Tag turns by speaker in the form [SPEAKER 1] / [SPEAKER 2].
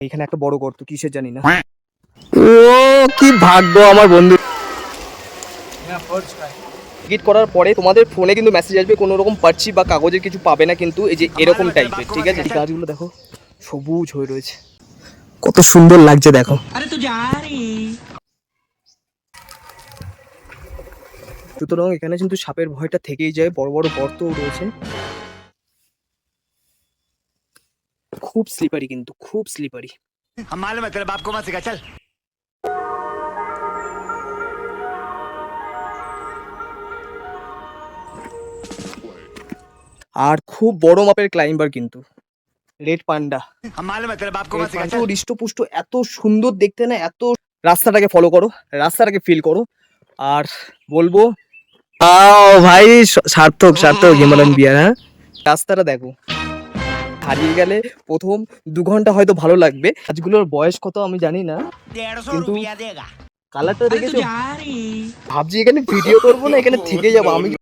[SPEAKER 1] এখানে একটা বড় গর্ত, কিসের জানি না। ও কি ভাগ্য আমার বন্ধু। টিকিট করার পরে তোমাদের ফোনে কিন্তু মেসেজ আসবে, কোনো রকম পার্চি বা কাগজের কিছু পাবে না কিন্তু, এই যে এরকম টাইপের, ঠিক আছে। এই গাছগুলো দেখো সবুজ হয়ে রয়েছে, কত সুন্দর লাগছে দেখো। সুতরাং এখানে কিন্তু সাপের ভয়টা থেকেই যায়, বড় বড় গর্তও রয়েছে, খুব স্লিপারি কিন্তু, খুব স্লিপারি। আর খুব বড় মাপের ক্লাইম্বার কিন্তু রেড পান্ডা, হৃষ্টপুষ্ট, এত সুন্দর দেখতে না, এত। রাস্তাটাকে ফলো করো, রাস্তাটাকে ফিল করো, আর বলবো ভাই সার্থক সার্থক হিমালয়ান বিয়ার। হ্যাঁ, রাস্তাটা দেখো, হারিয়ে গেলে প্রথম 2 ঘন্টা হয়তো ভালো লাগবে। গাছগুলোর বয়স কত আমি জানি না, কিন্তু কালারটা দেখেছো, ভাবছি এখানে ভিডিও করবো না, এখানে থেকে যাবো আমি।